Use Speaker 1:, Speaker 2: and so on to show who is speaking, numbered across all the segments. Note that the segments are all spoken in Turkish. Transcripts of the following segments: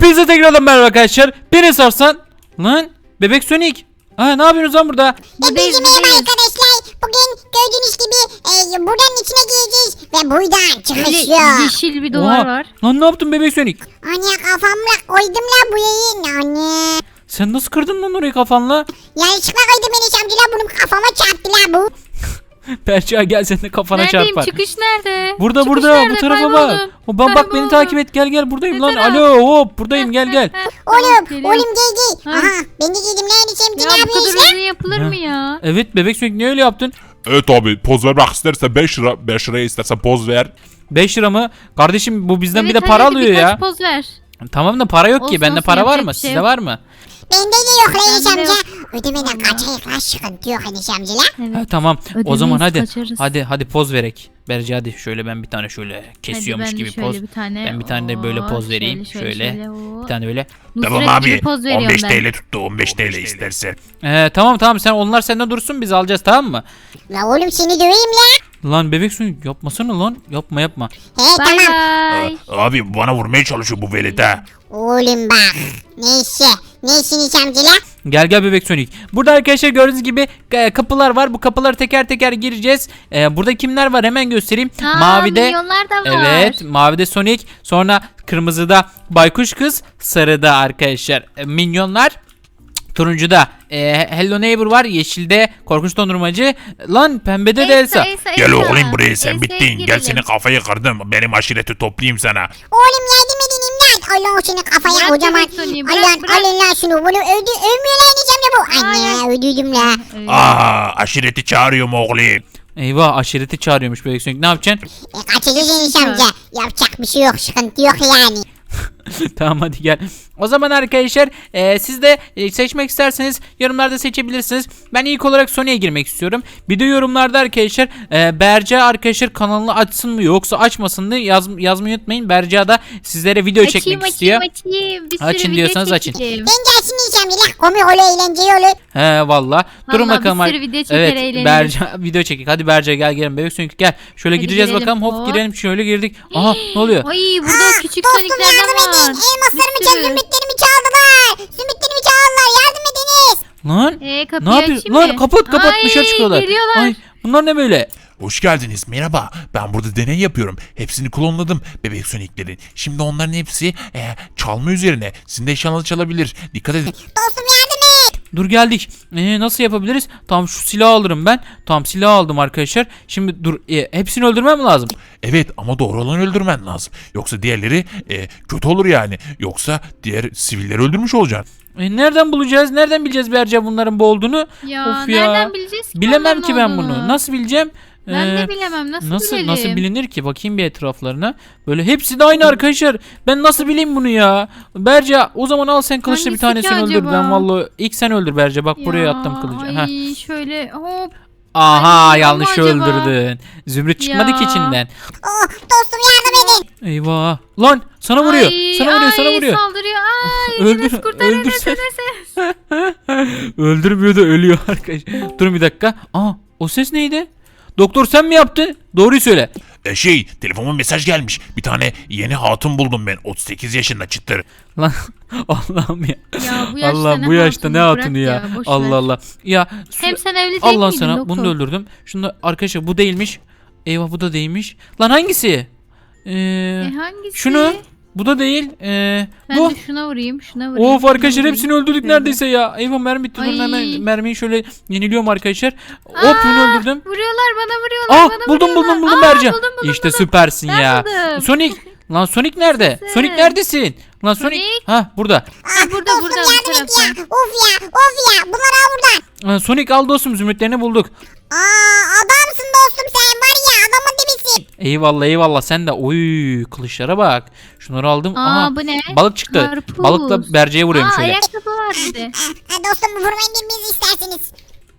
Speaker 1: Hepinize tekrardan merhaba arkadaşlar. Beni sorsan. Lan bebek Sonic. Ne yapıyorsunuz lan burada?
Speaker 2: Hepinize merhaba arkadaşlar. Bugün gördüğünüz gibi buradan içine gireceğiz. Ve buradan çıkışıyor.
Speaker 3: Yeşil bir duvar var.
Speaker 1: Lan ne yaptın bebek Sonic?
Speaker 2: Anne kafamla koydum la bu yayın. Anne.
Speaker 1: Sen nasıl kırdın lan orayı kafanla?
Speaker 2: Yanlışlıkla koydum beni Şamcılar. Bunun kafama çarptı la bu.
Speaker 1: Perça gel sen de kafana
Speaker 3: Neredeyim?
Speaker 1: çarpar.
Speaker 3: Çıkış nerede?
Speaker 1: Burada
Speaker 3: Çıkış
Speaker 1: burada
Speaker 3: nerede?
Speaker 1: bu tarafa
Speaker 3: Kayboldum.
Speaker 1: bak. Bak beni takip et gel buradayım lan. Alo hop buradayım gel.
Speaker 2: Oğlum
Speaker 3: Geliyorum.
Speaker 2: gel. Aha ben de giydim lan Şamcı
Speaker 3: Ya
Speaker 2: ne
Speaker 3: bu
Speaker 2: yapıyorsun
Speaker 3: kadar
Speaker 2: lan?
Speaker 3: uzun yapılır mı ya?
Speaker 1: Evet bebek Sonic niye öyle yaptın?
Speaker 4: Evet abi poz vermek isterse 5 lira 5 liraya istersen poz ver.
Speaker 1: 5 lira mı? Kardeşim bu bizden bir de
Speaker 3: Evet,
Speaker 1: para
Speaker 3: hadi
Speaker 1: alıyor
Speaker 3: birkaç
Speaker 1: ya.
Speaker 3: poz ver.
Speaker 1: Tamam da para yok ki.
Speaker 3: Olsun,
Speaker 1: Bende
Speaker 3: olsun,
Speaker 1: para var
Speaker 3: yapacak
Speaker 1: mı?
Speaker 3: bir şey
Speaker 1: Sizde
Speaker 3: yok.
Speaker 1: var mı?
Speaker 2: Bende de yok lan
Speaker 3: Bende de
Speaker 2: Şamcı.
Speaker 3: yok.
Speaker 2: Ödemeden
Speaker 3: Allah.
Speaker 2: kaçayım lan sıkıntı yok hani Şamcılar.
Speaker 3: Evet.
Speaker 1: Tamam. O
Speaker 3: Ödemeyiz,
Speaker 1: zaman hadi.
Speaker 3: kaçarız.
Speaker 1: Hadi poz verek. Berce hadi şöyle ben bir tane şöyle kesiyormuş
Speaker 3: Hadi ben de
Speaker 1: gibi
Speaker 3: şöyle
Speaker 1: poz.
Speaker 3: Bir tane,
Speaker 1: Ben bir tane de böyle poz vereyim. Şöyle. Bir tane böyle.
Speaker 4: Tamam
Speaker 3: Nusret gibi
Speaker 4: abi
Speaker 3: poz veriyorum
Speaker 4: 15
Speaker 3: ben.
Speaker 4: TL tuttu 15 TL istersen.
Speaker 1: Tamam sen onlar senden dursun biz alacağız tamam mı?
Speaker 2: La oğlum seni döveyim la.
Speaker 1: Lan bebek suyu yapmasana lan. Yapma.
Speaker 2: He
Speaker 3: Bay
Speaker 2: tamam.
Speaker 3: bay.
Speaker 4: Abi bana vurmaya çalışıyor bu velet ha.
Speaker 2: Oğlum bak. Neyse. Neyse Şamcılar.
Speaker 1: Gel bebek Sonic. Burada arkadaşlar gördüğünüz gibi kapılar var. Bu kapıları teker teker gireceğiz. Burada kimler var hemen göstereyim. Mavide
Speaker 3: milyonlar da var.
Speaker 1: evet, mavide Sonic, sonra kırmızıda Baykuş Kız, sarıda arkadaşlar minyonlar. Turuncuda Hello Neighbor var, yeşilde Korkunç Dondurmacı. Lan pembede de Elsa.
Speaker 4: Gel oğlum buraya sen
Speaker 3: Elsa'ya
Speaker 4: bittin. Gel
Speaker 3: girelim.
Speaker 4: senin kafayı kırdım. Benim aşireti toplayayım sana.
Speaker 2: Oğlum yardım edin imdat. Allah senin kafaya
Speaker 3: Bırak
Speaker 2: kocaman.
Speaker 3: bebek Sony'yi, bırak,
Speaker 2: Allah'ın
Speaker 3: bırak.
Speaker 2: alın lan şunu. Bunu övmüyor lan diyeceğim de bu. Anne öldürdüm la.
Speaker 4: Aşireti çağırıyorum oğlum.
Speaker 1: Eyvah aşireti çağırıyormuş bebek Sonic. Ne yapacaksın?
Speaker 2: Kaçacağız Enis amca. Yapacak bir şey yok. Sıkıntı yok yani.
Speaker 1: Tamam hadi gel. O zaman arkadaşlar siz de seçmek isterseniz yorumlarda seçebilirsiniz. Ben ilk olarak Sony'ye girmek istiyorum. Bir de yorumlarda arkadaşlar Berca arkadaşlar kanalını açsın mı yoksa açmasın mı yazmayı unutmayın. Berca da sizlere video çekmek istiyor.
Speaker 3: Açayım. Bir sürü
Speaker 1: Açın
Speaker 3: video
Speaker 1: diyorsanız açın.
Speaker 3: çekeceğim.
Speaker 2: Ben gelsin Enis amca la. Komik olur eğlenceli olur.
Speaker 1: He valla. Durun
Speaker 3: Vallahi
Speaker 1: bakalım.
Speaker 3: bir sürü video çeker,
Speaker 1: evet
Speaker 3: eğleniriz.
Speaker 1: Berca video çekik. Hadi Berca gel bebek Sonic gel. Şöyle
Speaker 3: Hadi
Speaker 1: gideceğiz
Speaker 3: girelim.
Speaker 1: bakalım. Hop
Speaker 3: Hop.
Speaker 1: girelim şöyle girdik. Aha ne oluyor?
Speaker 3: Ay burada küçük
Speaker 2: Dostum
Speaker 3: soniklerden
Speaker 2: yardım
Speaker 3: var.
Speaker 2: edin. Elmaslarımı
Speaker 3: Bir
Speaker 2: çal,
Speaker 3: sürü.
Speaker 2: zümrütlerimi çaldılar. Zümrütlerimi çaldılar. Yardım ediniz.
Speaker 1: Lan
Speaker 3: Kapıyı
Speaker 1: ne yapıyorsun?
Speaker 3: açayım
Speaker 1: Lan
Speaker 3: mı?
Speaker 1: kapat
Speaker 3: Ay,
Speaker 1: dışarı çıkıyorlar.
Speaker 3: geliyorlar.
Speaker 1: Ay bunlar ne böyle?
Speaker 4: Hoş geldiniz merhaba. Ben burada deney yapıyorum. Hepsini klonladım bebek soniklerin. Şimdi onların hepsi çalma üzerine. Sizin de eşyanızı çalabilir. Dikkat edin.
Speaker 2: Dostum yardım et.
Speaker 1: Dur geldik. Nasıl yapabiliriz? Tamam şu silahı alırım ben. Tamam silah aldım arkadaşlar. Şimdi dur hepsini öldürmem lazım.
Speaker 4: Evet ama doğru olanı öldürmen lazım. Yoksa diğerleri kötü olur yani. Yoksa diğer sivilleri öldürmüş olacaksın.
Speaker 1: Nereden bulacağız? Nereden bileceğiz Berca bunların bu olduğunu?
Speaker 3: Ya,
Speaker 1: Of
Speaker 3: nereden bileceğiz ki
Speaker 1: Bilemem
Speaker 3: onların
Speaker 1: ki ben
Speaker 3: olduğunu?
Speaker 1: bunu. Nasıl bileceğim?
Speaker 3: Ben de bilemem. Nasıl bilelim?
Speaker 1: Nasıl bilinir ki? Bakayım bir etraflarına. Böyle hepsi de aynı arkadaşlar. Ben nasıl bileyim bunu ya? Berca o zaman al sen kılıçla bir
Speaker 3: Hangisi ki
Speaker 1: tanesini öldür.
Speaker 3: acaba?
Speaker 1: Ben vallahi ilk sen öldür Berca. Bak buraya
Speaker 3: Ya,
Speaker 1: attım kılıcı.
Speaker 3: Ay
Speaker 1: Heh.
Speaker 3: şöyle hop.
Speaker 1: Aha
Speaker 3: Ay,
Speaker 1: yanlış
Speaker 3: ama acaba?
Speaker 1: öldürdün. Zümrüt çıkmadı ki
Speaker 3: Ya.
Speaker 1: içinden.
Speaker 2: Oh dostum yardım edin.
Speaker 1: Eyvah. Lan sana vuruyor.
Speaker 3: Ay,
Speaker 1: Sana vuruyor.
Speaker 3: Saldırıyor. Ay
Speaker 1: Öldür-
Speaker 3: Enes kurtar Enes,
Speaker 1: öldürsen.
Speaker 3: Enes.
Speaker 1: Öldürmüyor da ölüyor arkadaşlar. Durun bir dakika. Aa o ses neydi? Doktor sen mi yaptın? Doğruyu söyle.
Speaker 4: Telefonuma mesaj gelmiş. Bir tane yeni hatun buldum ben. 38 yaşında çıtır.
Speaker 1: Lan Allah'ım ya.
Speaker 3: Ya bu yaşta
Speaker 1: Allah
Speaker 3: ne
Speaker 1: bu yaşta
Speaker 3: hatunu?
Speaker 1: ne
Speaker 3: Bırak
Speaker 1: hatunu ya.
Speaker 3: ya, boş ver.
Speaker 1: Allah Allah. Ya
Speaker 3: Hem sen evli değil
Speaker 1: Allah
Speaker 3: miydin
Speaker 1: sana
Speaker 3: doktor?
Speaker 1: bunu da öldürdüm. Şunu da arkadaşlar bu değilmiş. Eyvah bu da değilmiş. Lan hangisi?
Speaker 3: Hangisi?
Speaker 1: Şunu. Bu da değil.
Speaker 3: Ben
Speaker 1: Bu.
Speaker 3: de şuna vurayım. Şuna vurayım.
Speaker 1: Of arkadaşlar
Speaker 3: şuna
Speaker 1: hepsini
Speaker 3: vurayım.
Speaker 1: öldürdük
Speaker 3: Şöyle.
Speaker 1: neredeyse ya. Eyvah mermi bitti. Durun
Speaker 3: Ay.
Speaker 1: hemen mermiyi şöyle yeniliyorum arkadaşlar. Hop
Speaker 3: Aa,
Speaker 1: bunu öldürdüm.
Speaker 3: Vuruyorlar bana vuruyorlar. Bana
Speaker 1: Buldum
Speaker 3: vuruyorlar.
Speaker 1: Berca.
Speaker 3: Buldum.
Speaker 1: İşte süpersin
Speaker 3: Ben
Speaker 1: ya.
Speaker 3: buldum.
Speaker 1: Sonic. Lan Sonic nerede?
Speaker 3: Nasılsın?
Speaker 1: Sonic neredesin? Lan Sonic.
Speaker 3: Sonic?
Speaker 1: Ha burada.
Speaker 3: Burada,
Speaker 2: Dostum
Speaker 3: burada, bu
Speaker 2: yardım et ya.
Speaker 3: tarafta.
Speaker 2: Of ya. Bunları al buradan.
Speaker 1: Sonic al dostum zümrütlerini bulduk.
Speaker 2: Adamsın dostum sen var ya adamın dibisin.
Speaker 1: Eyvallah sen de. Oy kılıçlara bak. Şunları aldım. Aha,
Speaker 3: Bu ne?
Speaker 1: balık çıktı.
Speaker 3: Karpuz.
Speaker 1: Balıkla Berce'ye vuruyorum şöyle.
Speaker 3: Ayakkabı var bir de.
Speaker 2: Dostum vurmayın birbirinizi isterseniz.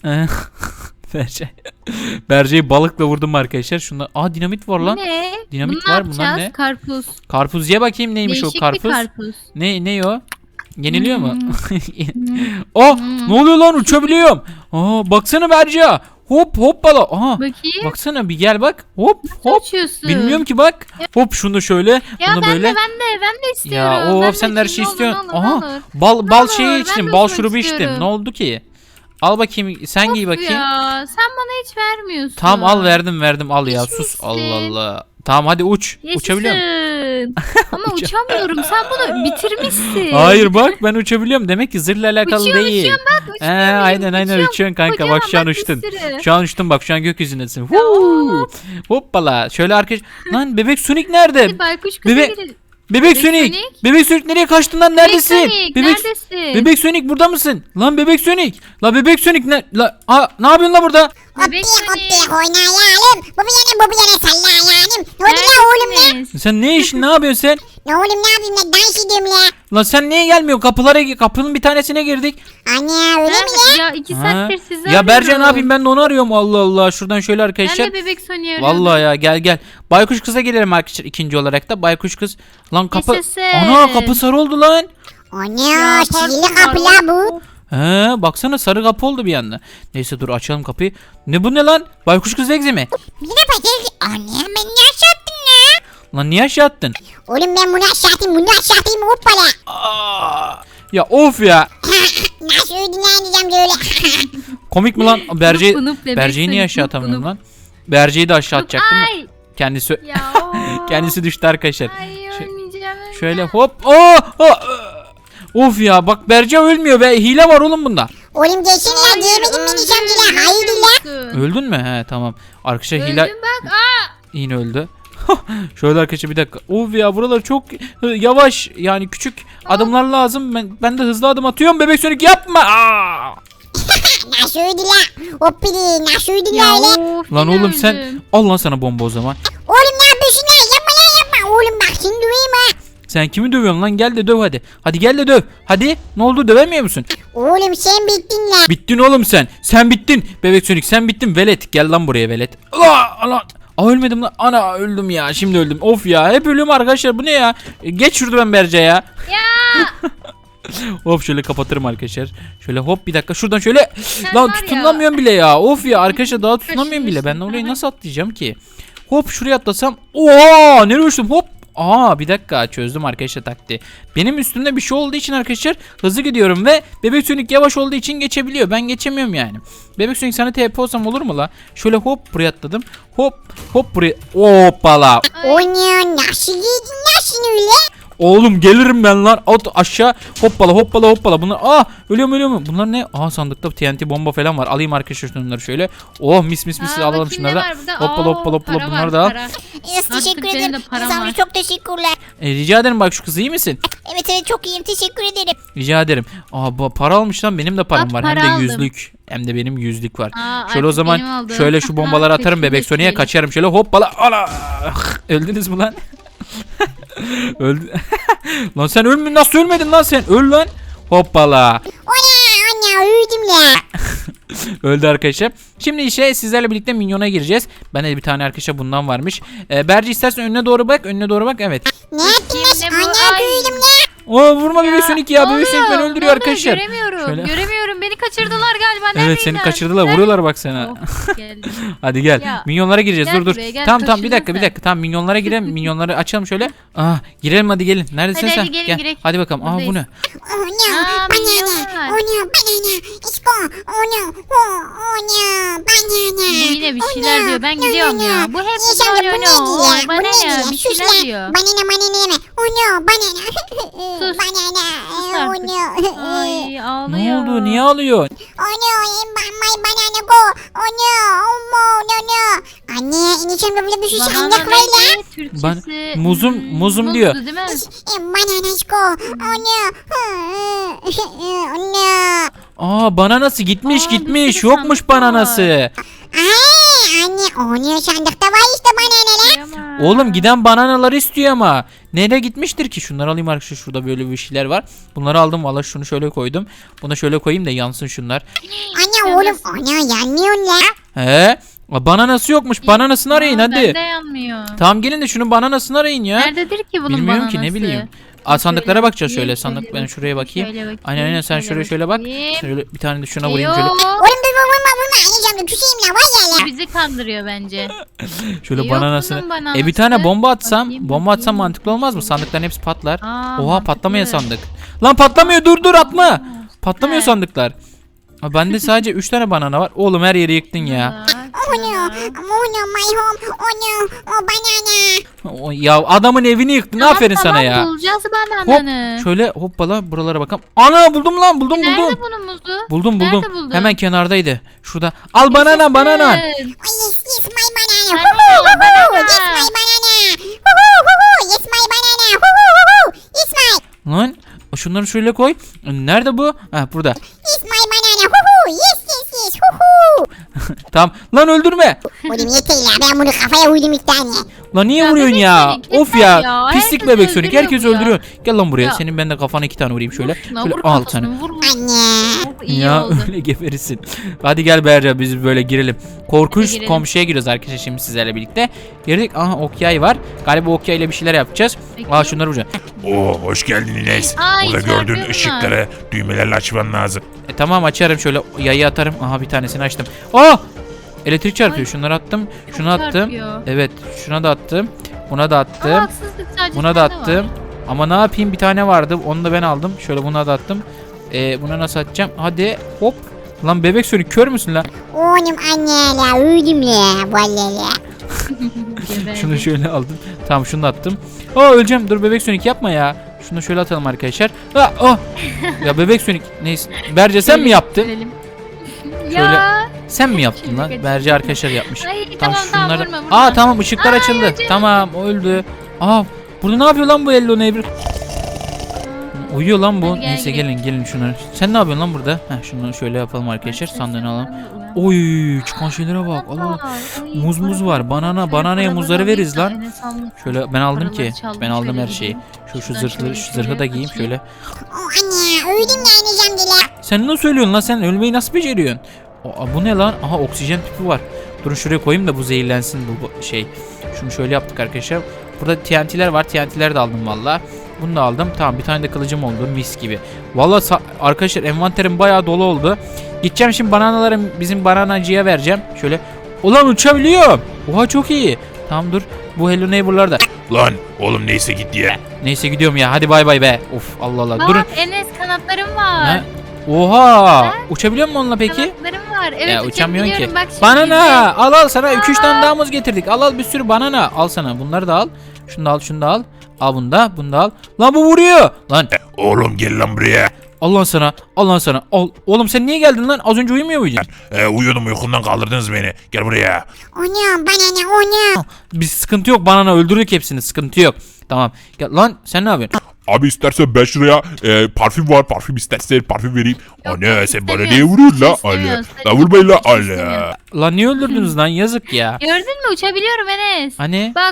Speaker 1: Berce'yi balıkla vurdum arkadaşlar. Şunlar. Dinamit var lan.
Speaker 3: Ne?
Speaker 1: Dinamit
Speaker 3: Bunu
Speaker 1: var,
Speaker 3: ne
Speaker 1: bunlar
Speaker 3: yapacağız?
Speaker 1: ne?
Speaker 3: Karpuz.
Speaker 1: Karpuz ye bakayım neymiş
Speaker 3: Değişik
Speaker 1: o karpuz.
Speaker 3: bir karpuz.
Speaker 1: Ne o? Yeniliyor mu? Ne oluyor lan uçabiliyorum. Baksana Berca. Hop hoppala. Aha.
Speaker 3: Bakayım.
Speaker 1: Baksana bir gel bak. Hop hop.
Speaker 3: Uçuyorsun.
Speaker 1: Bilmiyorum ki bak. Hop şunu şöyle.
Speaker 3: Ya
Speaker 1: bunu
Speaker 3: ben
Speaker 1: böyle.
Speaker 3: de istiyorum.
Speaker 1: Ya
Speaker 3: Ben
Speaker 1: of
Speaker 3: de
Speaker 1: sen de her
Speaker 3: içeyim,
Speaker 1: şeyi istiyorsun.
Speaker 3: ne olur,
Speaker 1: Aha.
Speaker 3: ne olur.
Speaker 1: Bal
Speaker 3: Ne
Speaker 1: bal
Speaker 3: olur,
Speaker 1: şeyi
Speaker 3: ben
Speaker 1: içtim.
Speaker 3: de
Speaker 1: Bal
Speaker 3: uçmak
Speaker 1: şurubu içtim.
Speaker 3: istiyorum.
Speaker 1: Ne oldu ki? Al bakayım sen giy
Speaker 3: Of
Speaker 1: bakayım.
Speaker 3: ya sen bana hiç vermiyorsun.
Speaker 1: Tamam al verdim al ya sus.
Speaker 3: İçmişsin.
Speaker 1: Allah Allah. Tamam hadi uç. Uçabiliyor musun?
Speaker 3: Yaşasın. Ama uçamıyorum. Sen bunu bitirmişsin.
Speaker 1: Hayır bak ben uçabiliyorum. Demek ki zırhla alakalı değil.
Speaker 3: Uçuyorum bak uçuyorum.
Speaker 1: Aynen uçuyorsun kanka.
Speaker 3: Kocaman
Speaker 1: Bak şu an
Speaker 3: bak, bir
Speaker 1: uçtun.
Speaker 3: sürü.
Speaker 1: Şu an uçtun bak şu an gökyüzündesin. Huu. Hoppala. Şöyle arkadaş. Lan bebek Sonic nerede?
Speaker 3: Hadi baykuş kıza
Speaker 1: Bebek-
Speaker 3: gidelim.
Speaker 1: Bebek
Speaker 3: Bebek
Speaker 1: Sonic.
Speaker 3: Sonic?
Speaker 1: Bebek Sonic nereye kaçtın lan? Neredesin?
Speaker 3: Sonic, neredesin?
Speaker 1: Bebek Sonic burada mısın? Lan Bebek Sonic. La Bebek Sonic ne? Ne yapıyorsun la burada?
Speaker 3: Bebek
Speaker 2: Hoppi
Speaker 3: Sonic.
Speaker 2: oynayalım. Bu bir yana sallayalım. Ne oldu la oğlum ya?
Speaker 3: Neredesiniz?
Speaker 1: Sen ne işin? Ne yapıyorsun sen?
Speaker 2: Ne oğlum ne yapayım ben dans ediyorum la.
Speaker 1: Lan sen niye gelmiyorsun? Kapının bir tanesine girdik.
Speaker 2: Ana öyle mi la?
Speaker 3: Ya 2
Speaker 1: Ha?
Speaker 3: saattir sizi
Speaker 1: Ya Berce ne
Speaker 3: arıyorum.
Speaker 1: yapayım ben de onu arıyorum. Allah Allah. Şuradan şöyle
Speaker 3: Ben
Speaker 1: arkadaşlar.
Speaker 3: de bebek Sonic'i arıyordum.
Speaker 1: Vallahi ya gel. Baykuş kıza gelelim arkadaşlar ikinci olarak da. Baykuş kız. Lan kapı.
Speaker 3: Yaşasın.
Speaker 1: Ana kapı sarı oldu lan.
Speaker 2: Ana sihirli
Speaker 3: pardon,
Speaker 2: kapı la bu.
Speaker 1: He baksana sarı kapı oldu bir anda. Neyse dur açalım kapıyı. Ne bu ne lan? Baykuş kız egzi mi?
Speaker 2: Bir de bakayım. Ana ben ne aşağı attın la?
Speaker 1: Lan niye aşağı attın?
Speaker 2: Oğlum ben bunu aşağı atayım hoppala.
Speaker 1: Ya of ya.
Speaker 2: Nasıl ödünleneceğim böyle.
Speaker 1: Komik mi lan?
Speaker 3: Fınıp bebek
Speaker 1: Berce'yi niye
Speaker 3: Sonic,
Speaker 1: aşağı
Speaker 3: fınıp
Speaker 1: atamıyorum
Speaker 3: fınıp.
Speaker 1: lan? Berce'yi de aşağı atacaktım.
Speaker 3: Ay.
Speaker 1: Kendisi
Speaker 3: Ya.
Speaker 1: kendisi düştü arkadaşlar.
Speaker 3: Ay ölmeyeceğim.
Speaker 1: Şöyle hop. Of ya bak Berce ölmüyor be. Hile var oğlum bunda.
Speaker 2: Oğlum geçsin la diyemedim ben diyeceğim la. Hayır la.
Speaker 1: Öldün mü? He tamam. Arkadaşlar hile
Speaker 3: Öldüm bak.
Speaker 1: yine öldü. Şöyle arkadaşlar bir dakika. Of ya buralar çok yavaş yani küçük adımlar lazım. Ben de hızlı adım atıyorum. Bebek Sonic yapma.
Speaker 2: Nasıl ödü la? Hoppili nasıl ödü
Speaker 3: Ya
Speaker 2: la öyle?
Speaker 3: of,
Speaker 1: Lan
Speaker 3: yine
Speaker 1: oğlum sen
Speaker 3: öldüm.
Speaker 1: al lan sana bomba o zaman.
Speaker 2: Oğlum ne yapıyorsun la? Yapma la yapma. Oğlum bak seni duyayım ha.
Speaker 1: Sen kimi dövüyorsun lan? Gel de döv hadi. Hadi gel de döv. Hadi. Ne oldu dövemiyor musun?
Speaker 2: Oğlum sen bittin la.
Speaker 1: Bittin oğlum sen. Sen bittin. Bebek Sonic sen bittin. Velet. Gel lan buraya velet. Lan. Ölmedim lan. Ana öldüm ya. Şimdi öldüm. Of ya. Hep ölüyorum arkadaşlar. Bu ne ya? Geç şurada ben Berce ya.
Speaker 3: Ya.
Speaker 1: Hop şöyle kapatırım arkadaşlar. Şöyle hop bir dakika. Şuradan şöyle. Lan
Speaker 3: var ya.
Speaker 1: tutunamıyorum bile ya. Of ya arkadaşlar daha tutunamıyorum bile. Ben
Speaker 3: Kaşınıyorsun.
Speaker 1: orayı nasıl atlayacağım ki? Hop şuraya atlasam. Oha nereye uçtum hop. Aa bir dakika çözdüm arkadaşlar taktiği. Benim üstümde bir şey olduğu için arkadaşlar hızlı gidiyorum ve Bebek Sonic yavaş olduğu için geçebiliyor. Ben geçemiyorum yani. Bebek Sonic sana TP olsam olur mu la? Şöyle hop buraya atladım. Hop buraya. Hoppala.
Speaker 2: O ne nasıl giydin la sen öyle?
Speaker 1: Oğlum gelirim ben lan. At aşağı. Hoppala. Bunlar ölüyorum. Bunlar ne? Sandıkta TNT bomba falan var. Alayım arkadaşlar şunları şöyle. Oh mis alalım
Speaker 3: bakayım
Speaker 1: şunları
Speaker 3: ne
Speaker 1: da.
Speaker 3: var burada?
Speaker 1: Hoppala
Speaker 3: Para
Speaker 1: bunları
Speaker 3: var,
Speaker 1: da al.
Speaker 3: para.
Speaker 2: Teşekkür
Speaker 3: benim
Speaker 2: ederim.
Speaker 3: de param
Speaker 2: İnsan
Speaker 3: var.
Speaker 2: çok teşekkürler.
Speaker 1: Rica ederim bak şu kız iyi misin?
Speaker 2: Evet çok iyiyim teşekkür ederim.
Speaker 1: Rica ederim. Para almış lan benim de param
Speaker 3: Bak,
Speaker 1: var. Hem
Speaker 3: para
Speaker 1: de
Speaker 3: aldım.
Speaker 1: yüzlük. Hem de benim yüzlük var. Şöyle o
Speaker 3: artık
Speaker 1: zaman
Speaker 3: benim aldığım.
Speaker 1: şöyle şu bombaları atarım Bebek Sonic'e
Speaker 3: Teşekkür
Speaker 1: kaçarım. Şöyle hoppala. Ana. Öldünüz mü lan? Öldü. Lan sen nasıl ölmedin lan sen? Öl lan. Hoppala.
Speaker 2: Ana uyudum la.
Speaker 1: Öldü arkadaşlar. Şimdi sizlerle birlikte minyona gireceğiz. Ben de bir tane arkadaşa bundan varmış. Berce istersen önüne doğru bak. Evet.
Speaker 2: Ne yaptın la?
Speaker 3: Şimdi bu-
Speaker 2: Ana
Speaker 3: Ay.
Speaker 2: uyudum la.
Speaker 1: Vurma Bebek Sonic ya. Bebek Sonic beni öldürüyor arkadaşlar.
Speaker 3: Göremiyorum.
Speaker 1: Şöyle.
Speaker 3: Göremiyorum. Beni kaçırdılar galiba.
Speaker 1: Evet
Speaker 3: Neredeyim
Speaker 1: seni
Speaker 3: ben?
Speaker 1: kaçırdılar. Vuruyorlar bak sana.
Speaker 3: Oh, geldim.
Speaker 1: Hadi gel.
Speaker 3: Ya,
Speaker 1: Minyonlara gireceğiz.
Speaker 3: gel
Speaker 1: Dur.
Speaker 3: buraya, gel,
Speaker 1: Tamam bir
Speaker 3: kaçırdın
Speaker 1: dakika. Tamam minyonlara girelim. Minyonları açalım şöyle. Girelim hadi gelin. Neredesin
Speaker 3: Hadi,
Speaker 1: sen?
Speaker 3: hadi, gelin,
Speaker 1: Gel.
Speaker 3: girek.
Speaker 1: Hadi bakalım. Bu
Speaker 3: Buradayız.
Speaker 1: ne?
Speaker 2: Oh no
Speaker 3: Aa,
Speaker 2: banana.
Speaker 3: milyonlar.
Speaker 2: Oh no banana. İsko. Oh no. Oh no banana.
Speaker 3: Yine bir şeyler diyor. Ben gidiyorum ya. Bu hep
Speaker 2: İnşallah bu neydi ya? Bu
Speaker 3: Bana
Speaker 2: neydi
Speaker 3: ne?
Speaker 2: ya?
Speaker 3: Bir
Speaker 2: Sus
Speaker 3: şeyler
Speaker 2: la.
Speaker 3: diyor.
Speaker 2: Banana yeme. Oh no banana.
Speaker 3: Sus.
Speaker 2: Banana.
Speaker 3: Sus
Speaker 2: Oh
Speaker 3: artık.
Speaker 2: no.
Speaker 3: Ay
Speaker 1: Ne
Speaker 3: ağlıyor.
Speaker 1: oldu? Niye ağlıyorsun?
Speaker 2: Oh no, my banana go. Oh no, oh no. Anne, ineceğim böyle bir şey
Speaker 3: Banana
Speaker 2: sandık var la.
Speaker 3: neydi? Türkçesi.
Speaker 1: Muzum diyor.
Speaker 3: Muzdu değil mi?
Speaker 2: Banana go. Oh no. Oh no.
Speaker 1: Bananası gitmiş.
Speaker 3: Bir sürü
Speaker 1: Yokmuş
Speaker 3: sandık var.
Speaker 1: bananası.
Speaker 2: Ay, anne, oh no sandıkta var işte banana la.
Speaker 3: Kıyamam.
Speaker 1: Oğlum giden bananaları istiyor ama. Nereye gitmiştir ki? Şunları alayım arkadaşlar. Şurada böyle bir şeyler var. Bunları aldım. Valla şunu şöyle koydum. Bunu şöyle koyayım da yansın şunlar.
Speaker 2: Anne oğlum, oh no yanmıyorsun la.
Speaker 1: He? Bananası yokmuş. Bananasını arayın hadi.
Speaker 3: Bende yanmıyor.
Speaker 1: Tamam gelin de şunun bananasını arayın ya.
Speaker 3: Nerededir ki bunun
Speaker 1: Bilmiyorum
Speaker 3: bananası?
Speaker 1: ki ne bileyim. sandıklara bakacağız şöyle.
Speaker 3: bakayım,
Speaker 1: Sandık ben şuraya bakayım.
Speaker 3: Şöyle bakayım,
Speaker 1: Aynen sen şuraya bak.
Speaker 3: bakayım.
Speaker 1: Şöyle bir tane de şuna vurayım şöyle.
Speaker 2: Oğlum dur vurma. Anneciğim dur küseyim la var ya la.
Speaker 3: Bizi kandırıyor bence.
Speaker 1: Şöyle
Speaker 3: Yok
Speaker 1: bananasını.
Speaker 3: bunun bananası.
Speaker 1: Bir tane bomba atsam,
Speaker 3: Bakayım,
Speaker 1: bomba atsam
Speaker 3: bakayım.
Speaker 1: mantıklı olmaz mı? Sandıkların hepsi patlar.
Speaker 3: Aa,
Speaker 1: Oha patlamayan
Speaker 3: mantıklı.
Speaker 1: sandık. Lan patlamıyor dur atma. Patlamıyor
Speaker 3: He.
Speaker 1: sandıklar. Bende sadece 3 tane banana var. Oğlum her yeri yıktın ya.
Speaker 2: Oh no. Oh no my home. Oh no. Oh banana.
Speaker 1: Ya adamın evini yıktın. Aferin sana ya.
Speaker 3: Bulacağız
Speaker 1: Hop
Speaker 3: banananı.
Speaker 1: şöyle hoppala buralara bakalım. Ana buldum lan buldum.
Speaker 3: Nerede bunun muzu?
Speaker 1: Buldum.
Speaker 3: Nerede buldun?
Speaker 1: Hemen kenardaydı. Şurada. Al banana.
Speaker 2: Ay yes my banana.
Speaker 3: Banana,
Speaker 2: Yes my banana. Yes my banana. Yes my.
Speaker 1: Lan şunları şöyle koy. Nerede bu? Ha burada.
Speaker 2: Yes my banana. Yes.
Speaker 1: Tamam. Lan öldürme.
Speaker 2: Oğlum yeter la ben bunu kafaya uydum ilk tane.
Speaker 1: Lan niye
Speaker 3: Ya
Speaker 1: vuruyorsun
Speaker 3: bebek
Speaker 1: ya?
Speaker 3: Sonic,
Speaker 1: Of
Speaker 3: yeter
Speaker 1: ya.
Speaker 3: ya.
Speaker 1: Pislik
Speaker 3: Herkes
Speaker 1: bebek Sonic.
Speaker 3: öldürüyor
Speaker 1: Herkes
Speaker 3: bu ya.
Speaker 1: öldürüyor. Gel lan buraya.
Speaker 3: Ya.
Speaker 1: Senin ben de kafana 2 tane vurayım şöyle.
Speaker 3: Şuna
Speaker 1: Şöyle
Speaker 3: vur
Speaker 1: al
Speaker 3: kafasını,
Speaker 1: sana.
Speaker 3: vur.
Speaker 2: Anne.
Speaker 3: Oh, iyi
Speaker 1: Ya
Speaker 3: oldu.
Speaker 1: öyle geberirsin. Hadi gel Berca biz böyle girelim. Korkunç
Speaker 3: girelim.
Speaker 1: komşuya giriyoruz arkadaşlar şimdi sizlerle birlikte. Girdik. Aha okyay var. Galiba okyay ile bir şeyler yapacağız.
Speaker 3: Peki.
Speaker 1: Aa şunları vuracağım.
Speaker 4: Oo hoş geldin Ines.
Speaker 3: Ay,
Speaker 4: Burada
Speaker 3: çarpıyor
Speaker 4: gördüğün
Speaker 3: bunlar.
Speaker 4: ışıkları düğmelerle açman lazım.
Speaker 1: Tamam açarım şöyle yayı atarım. Aha bir tanesini açtım. Aa! Elektrik çarpıyor.
Speaker 3: Ay,
Speaker 1: Şunları attım.
Speaker 3: çok
Speaker 1: Şunu attım.
Speaker 3: çarpıyor.
Speaker 1: Evet, şuna da attım. Buna da attım.
Speaker 3: Ama haksızlık sadece
Speaker 1: Buna da
Speaker 3: sende
Speaker 1: attım.
Speaker 3: var.
Speaker 1: Ama ne yapayım? Bir tane vardı. Onu da ben aldım. Şöyle buna da attım. Buna nasıl atacağım? Hadi hop. Lan bebek Sonic kör müsün lan?
Speaker 2: Oğlum anne la öldüm la. Vallahi la.
Speaker 3: Geber.
Speaker 1: Şunu şöyle aldım. Tamam şunu da attım. Aa öleceğim. Dur bebek Sonic yapma ya. Şunu şöyle atalım arkadaşlar. Aa, oh. Ya bebek Sonic neyse. Berce sen mi yaptın?
Speaker 3: Görelim.
Speaker 1: Şöyle-
Speaker 3: Ya.
Speaker 1: Sen mi yaptın
Speaker 3: Şimdi
Speaker 1: lan?
Speaker 3: kaçın.
Speaker 1: Berce arkadaşlar yapmış.
Speaker 3: Ay tamam
Speaker 1: şunları-
Speaker 3: vurma vurma.
Speaker 1: Aa tamam ışıklar
Speaker 3: Ay,
Speaker 1: açıldı.
Speaker 3: acı.
Speaker 1: Tamam o öldü. Aa burada ne yapıyor lan bu Hello Neighbor? Uyuyor lan bu.
Speaker 3: Hadi gel
Speaker 1: Neyse
Speaker 3: gidelim.
Speaker 1: gelin şunları. Sen ne yapıyorsun lan burada? Heh şunu şöyle yapalım arkadaşlar. Sandığını alalım. Oy çıkan şeylere bak. Allah. Muz var. Bananaya muzları veririz lan. Şöyle ben aldım ki.
Speaker 3: Paraları çaldım,
Speaker 1: Ben aldım
Speaker 3: şöyle
Speaker 1: her şeyi. Şu
Speaker 3: Şuradan
Speaker 1: zırhları
Speaker 3: şöyle
Speaker 1: şu zırhı da
Speaker 3: şöyle
Speaker 1: giyeyim
Speaker 3: açayım.
Speaker 1: şöyle.
Speaker 2: Oh anne öldüm la ineceğim de la.
Speaker 1: Sen ne söylüyorsun lan? Sen ölmeyi nasıl beceriyorsun? Aa, bu ne lan? Aha oksijen tüpü var. Durun şuraya koyayım da bu zehirlensin bu şey. Şunu şöyle yaptık arkadaşlar. Burada TNT'ler var. TNT'ler de aldım valla. Bunu da aldım. Tamam bir tane de kılıcım oldu. Mis gibi. Valla arkadaşlar envanterim bayağı dolu oldu. Gideceğim şimdi bananaları bizim bananacıya vereceğim. Şöyle. Ulan uçabiliyorum. Oha çok iyi. Tamam dur. Bu Hello Neighbor'lar da.
Speaker 4: Lan oğlum neyse git diye.
Speaker 1: Neyse gidiyorum ya. Hadi bay bay be. Of Allah Allah. Durun.
Speaker 3: Bak Enes kanatlarım var.
Speaker 1: Ne? Oha. Uçabiliyor musun onunla peki?
Speaker 3: Kanatlarım var. Evet
Speaker 1: Ya uçamıyorsun ki.
Speaker 3: uçabiliyorum. Bak şimdi
Speaker 1: Banana al sana 2-3
Speaker 3: Aa.
Speaker 1: tane daha muz getirdik. Al bir sürü banana. Al sana bunları da al. Şunu da al şunu da al. Al bunu da al. Lan bu vuruyor. Lan
Speaker 4: Oğlum gel lan buraya.
Speaker 1: al lan sana. Al lan sana. Al. Oğlum sen niye geldin lan? Az önce uyumuyor muydun?
Speaker 4: Uyuyordum uykundan kaldırdınız beni. Gel buraya.
Speaker 2: Anam banana anam.
Speaker 1: Biz sıkıntı yok banana öldürdük hepsini. Sıkıntı yok. Tamam. Gel lan sen ne yapıyorsun?
Speaker 4: Abi istersen ben şuraya parfüm var. Parfüm istersen parfüm vereyim.
Speaker 3: Yok,
Speaker 4: Anne
Speaker 3: yok,
Speaker 4: sen bana
Speaker 3: istemiyorum.
Speaker 4: niye vuruyorsun la?
Speaker 3: İstemiyorum,
Speaker 4: La vurmayın la.
Speaker 3: istemiyorum.
Speaker 1: Lan niye öldürdünüz lan? Yazık ya.
Speaker 3: Gördün mü uçabiliyorum Enes.
Speaker 1: Hani
Speaker 3: Bak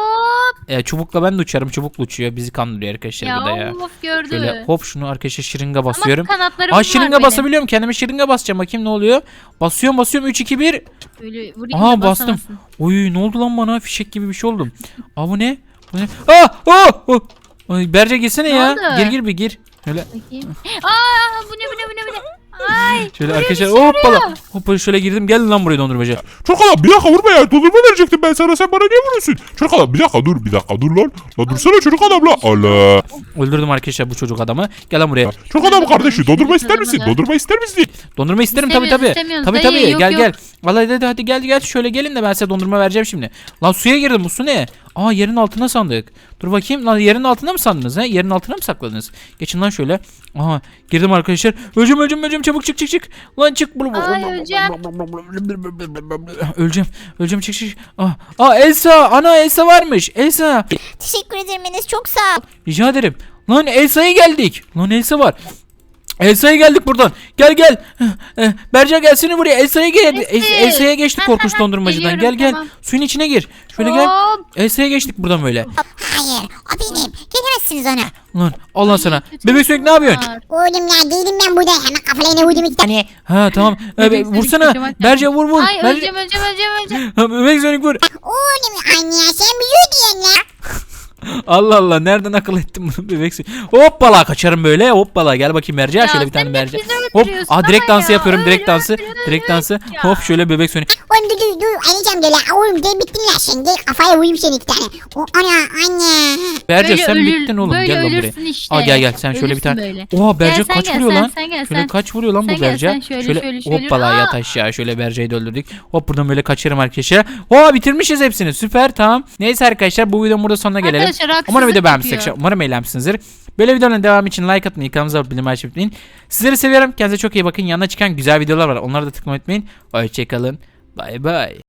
Speaker 3: hop.
Speaker 1: çubukla ben de uçarım. Çubukla uçuyor. Bizi kandırıyor arkadaşlar
Speaker 3: Ya
Speaker 1: burada ya.
Speaker 3: of gördü.
Speaker 1: Şöyle hop şunu arkadaşlar şırınga
Speaker 3: Ama
Speaker 1: basıyorum.
Speaker 3: kanatlarım
Speaker 1: Aa
Speaker 3: var
Speaker 1: şırınga
Speaker 3: benim.
Speaker 1: basabiliyorum. Kendime şırınga basacağım. Bakayım ne oluyor. Basıyorum 3 2 1.
Speaker 3: Böyle vurayım
Speaker 1: Aha
Speaker 3: da
Speaker 1: bastım.
Speaker 3: basamazsın.
Speaker 1: Oy ne oldu lan bana? Fişek gibi bir şey oldum. Aa bu ne? Bu ne? Aa! Oh! Oh! Ay, Berce girsene
Speaker 3: Ne
Speaker 1: ya.
Speaker 3: oldu?
Speaker 1: Gir bir gir. Şöyle
Speaker 3: Bakayım. Aa bu ne. Ay.
Speaker 1: şöyle
Speaker 3: buraya
Speaker 1: arkadaşlar
Speaker 3: düşüyorum.
Speaker 1: hoppala. Hoppala şöyle girdim. Gelin lan buraya dondurmacı.
Speaker 4: Çocuk adam bir dakika vurma ya. Dondurma verecektim ben sana. Sen bana niye vuruyorsun? Çocuk adam bir dakika dur lan. La dursana çocuk adam la. Allah.
Speaker 1: Öldürdüm arkadaşlar bu çocuk adamı. Gel lan buraya.
Speaker 4: Çocuk adam kardeşi dondurma ister misin? Dondurma ister misin?
Speaker 1: Dondurma isterim tabii tabii.
Speaker 3: İstemiyoruz,
Speaker 1: Tabii
Speaker 3: dayı,
Speaker 1: tabii.
Speaker 3: yok,
Speaker 1: Gel
Speaker 3: yok.
Speaker 1: gel. Vallahi hadi gel şöyle gelin de ben size dondurma vereceğim şimdi. Lan suya girdim. Bu su ne? Aa yerin altına sandık. Dur bakayım. Lan yerin altına mı sandınız ha? Yerin altına mı sakladınız? Geçin lan şöyle. Aha girdim arkadaşlar. Öleceğim çabuk çık. Lan çık.
Speaker 3: Ay öleceğim.
Speaker 1: Öleceğim çık. Elsa. Ana Elsa varmış. Elsa.
Speaker 2: Teşekkür ederim Enes çok sağ ol.
Speaker 1: Rica ederim. Lan Elsa'ya geldik. Lan Elsa var. Elsa'ya geldik buradan. Gel. Berca gelsene buraya. Elsa'ya gel.
Speaker 3: Nesi?
Speaker 1: Elsa'ya geçtik korkunç dondurmacıdan.
Speaker 3: Geliyorum,
Speaker 1: Gel.
Speaker 3: tamam.
Speaker 1: Suyun içine gir. Şöyle gel.
Speaker 3: Hop.
Speaker 1: Elsa'ya geçtik buradan böyle.
Speaker 2: Hayır o benim. Gelemezsiniz ona.
Speaker 1: Lan Allah sana.
Speaker 3: kötü
Speaker 1: Bebek Sonic ne yapıyorsun?
Speaker 3: var.
Speaker 2: Oğlum ya değilim ben burada. Hemen kafalarına vurdum iki tane.
Speaker 1: Ha tamam.
Speaker 3: Bebek Sonic
Speaker 1: Vursana.
Speaker 3: kocaman.
Speaker 1: Berca vur.
Speaker 3: Ay
Speaker 1: Berca-
Speaker 3: öleceğim.
Speaker 1: Ha, Bebek Sonic vur.
Speaker 2: Oğlum anne ya sen büyüyor diyen la.
Speaker 1: Allah Allah, nereden akıl ettim bunu bebek Sonic? Hoppala, kaçarım böyle. Hoppala, gel bakayım Berce. Şöyle bir tane
Speaker 3: sen
Speaker 1: Berce.
Speaker 3: hep bizi
Speaker 1: Hop.
Speaker 3: öldürüyorsun
Speaker 1: Direkt
Speaker 3: ama
Speaker 1: dansı
Speaker 3: ya.
Speaker 1: yapıyorum. Direkt
Speaker 3: Öyle
Speaker 1: dansı.
Speaker 3: öyle
Speaker 1: Direkt dansı.
Speaker 3: ya.
Speaker 1: Hop, şöyle bebek Sonic.
Speaker 2: Oğlum dur anneciğim gel la. Oğlum gel bittin la sen. Gel kafaya vurayım seni iki tane. O anne.
Speaker 1: Berce
Speaker 3: Böyle
Speaker 1: sen
Speaker 3: ölür-
Speaker 1: bittin oğlum.
Speaker 3: böyle
Speaker 1: Gel lan buraya.
Speaker 3: ölürsün işte.
Speaker 1: Aa, gel sen şöyle bir
Speaker 3: Ölürsün
Speaker 1: tane.
Speaker 3: böyle.
Speaker 1: Oha, Berce
Speaker 3: Gel sen
Speaker 1: kaç
Speaker 3: gel,
Speaker 1: vuruyor
Speaker 3: sen,
Speaker 1: lan?
Speaker 3: sen gel,
Speaker 1: Şöyle
Speaker 3: sen.
Speaker 1: kaç vuruyor lan
Speaker 3: Sen
Speaker 1: bu
Speaker 3: gel,
Speaker 1: Berce?
Speaker 3: sen şöyle.
Speaker 1: Hoppala,
Speaker 3: Aa!
Speaker 1: yat aşağı. Şöyle Berce'yi de öldürdük. Hop, buradan böyle kaçarım arkadaşlar. Oha, bitirmişiz hepsini. Süper, tamam. Neyse arkadaşlar, bu videonun burada sonuna gelelim.
Speaker 3: Arkadaşlar, haksızlık
Speaker 1: Umarım video beğenmişsiniz.
Speaker 3: yapıyor.
Speaker 1: Umarım eğlenmişsinizdir. Böyle videoların devamı için like atmayı, kanalımıza abone olmayı unutmayın. Sizleri seviyorum. Kendinize çok iyi bakın. Yanına çıkan güzel videolar var. Onlara da tıklamayı unutmayın. Hoşçakalın. Bay bay.